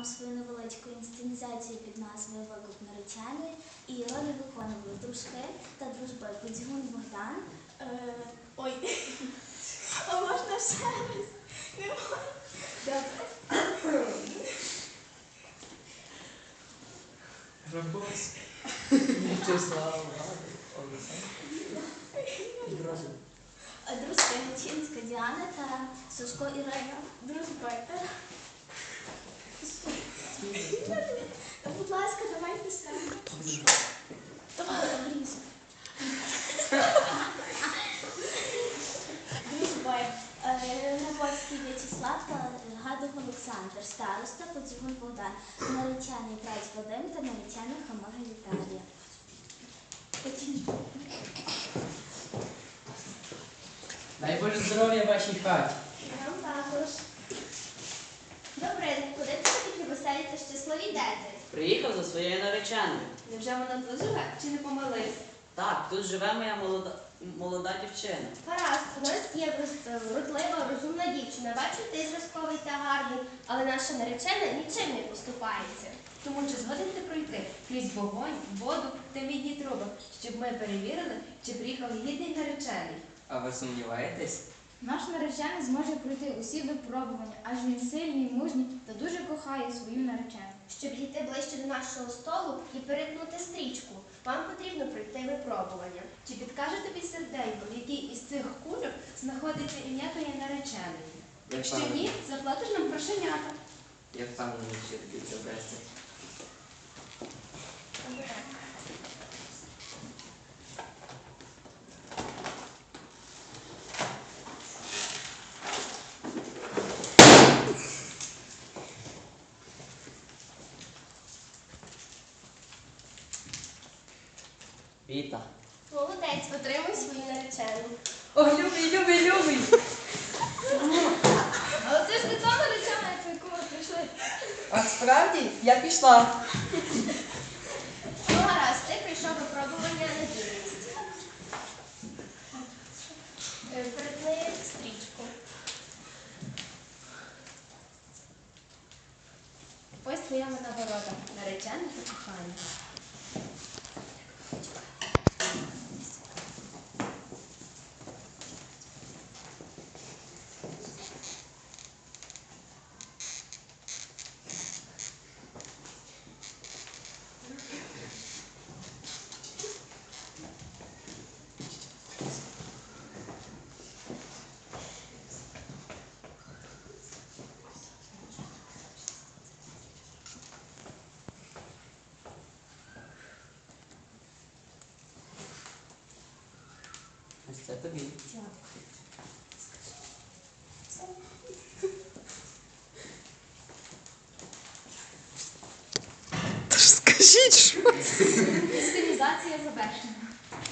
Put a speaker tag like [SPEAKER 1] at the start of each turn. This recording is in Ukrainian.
[SPEAKER 1] свою невеличку інсценізацію під назвою «Викуп нареченої» і ролі виконували дружки та дружби Подзігун Богдан. Ой, а можна ще раз? Не можна. Добре.
[SPEAKER 2] Рабос. Вячеслав, Олександр.
[SPEAKER 1] Дружки Гачинська Діана та Сушко Ірина. Дружби. Будь ласка, давайте саме. Давай, обрізу. Дружби. Грабовський Вячеслав та Гадов Олександр. Староста Подзігун Богдан. Наречений Праць Вадим та наречена Хамага Віталія.
[SPEAKER 2] Дай Боже здоров'я вашій хаті.
[SPEAKER 1] Нам також. Добре, куди ти такі веселі та щасливі йдете?
[SPEAKER 3] Приїхав за своєю нареченою.
[SPEAKER 1] Невже вона тут живе чи не помилився?
[SPEAKER 3] Так, тут живе моя молода дівчина.
[SPEAKER 1] Гаразд, у нас є вродлива, розумна дівчина. Бачу, ти зразковий та гарний, але наша наречена нічим не поступається.
[SPEAKER 4] Тому чи згоден ти пройти крізь вогонь, воду та мідні труби, щоб ми перевірили, чи приїхав гідний наречений?
[SPEAKER 2] А ви сумніваєтесь?
[SPEAKER 5] Наш наречений зможе пройти усі випробування, адже він сильний, мужній та дуже кохає свою наречену.
[SPEAKER 1] Щоб дійти ближче до нашого столу і перетнути стрічку, вам потрібно пройти випробування.
[SPEAKER 4] Чи підкаже тобі серденько, в якій із цих кульок знаходиться ім'я твоєї нареченої? Якщо ні, заплатиш нам грошенята.
[SPEAKER 2] Я впевнений, що таки це брести.
[SPEAKER 3] Віта.
[SPEAKER 1] Молодець, отримуй свою наречену.
[SPEAKER 4] О, любий!
[SPEAKER 1] Але це ж не та наречена, по яку ми прийшли.
[SPEAKER 6] А справді я пішла.
[SPEAKER 1] Ну, гаразд, ти прийшов випробування на вірність. Перетни стрічку.
[SPEAKER 4] Ось твоя нагорода, наречена та кохання.
[SPEAKER 2] Ось це тобі.
[SPEAKER 6] Скажіть, що це?
[SPEAKER 4] Інсценізація завершена.